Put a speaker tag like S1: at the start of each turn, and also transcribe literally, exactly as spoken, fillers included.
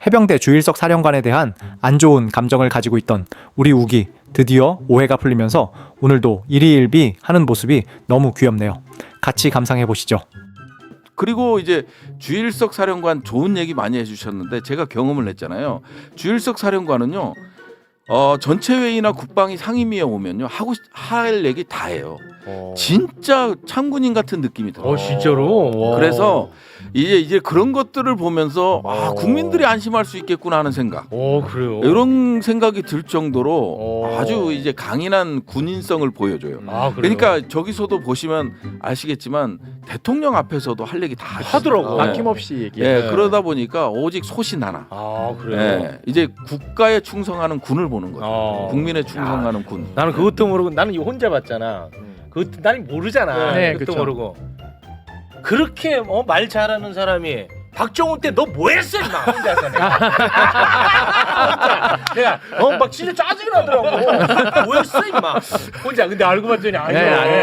S1: 해병대 주일석 사령관에 대한 안 좋은 감정을 가지고 있던 우리 우기 드디어 오해가 풀리면서 오늘도 일희일비 하는 모습이 너무 귀엽네요. 같이 감상해 보시죠.
S2: 그리고 이제 주일석 사령관 좋은 얘기 많이 해주셨는데 제가 경험을 했잖아요. 주일석 사령관은요, 어, 전체 회의나 국방위 상임위에 오면요 하고 할 얘기 다 해요.
S3: 어.
S2: 진짜 참군인 같은 느낌이 들어요.
S3: 어 진짜로. 와.
S2: 그래서 이제 이제 그런 것들을 보면서 아,
S3: 어.
S2: 국민들이 안심할 수 있겠구나 하는 생각.
S3: 어 그래요.
S2: 이런 생각이 들 정도로
S3: 어.
S2: 아주 이제 강인한 군인성을 보여줘요.
S3: 아 그래요.
S2: 그러니까 저기서도 보시면 아시겠지만 대통령 앞에서도 할 얘기 다
S3: 하더라고.
S2: 네.
S4: 아낌없이 얘기해.
S2: 예,
S3: 네.
S2: 그러다 보니까 오직 소신 하나.
S3: 아 그래요.
S2: 예, 이제 국가에 충성하는 군을 보는 거죠.
S3: 어.
S2: 국민에 충성하는 군.
S3: 나는 그것도 모르고 나는 이거 혼자 봤잖아. 그것도 나는 모르잖아.
S4: 네,
S3: 그것도
S4: 그쵸.
S3: 모르고. 그렇게 어, 말 잘하는 사람이 박정훈 때 너 뭐했어 임마 혼자서 내가. 혼자 내가 어막 진짜 짜증이 나더라고. 뭐했어 임마 혼자. 근데 알고 봤더니 아니야.
S4: 네, 아니에요.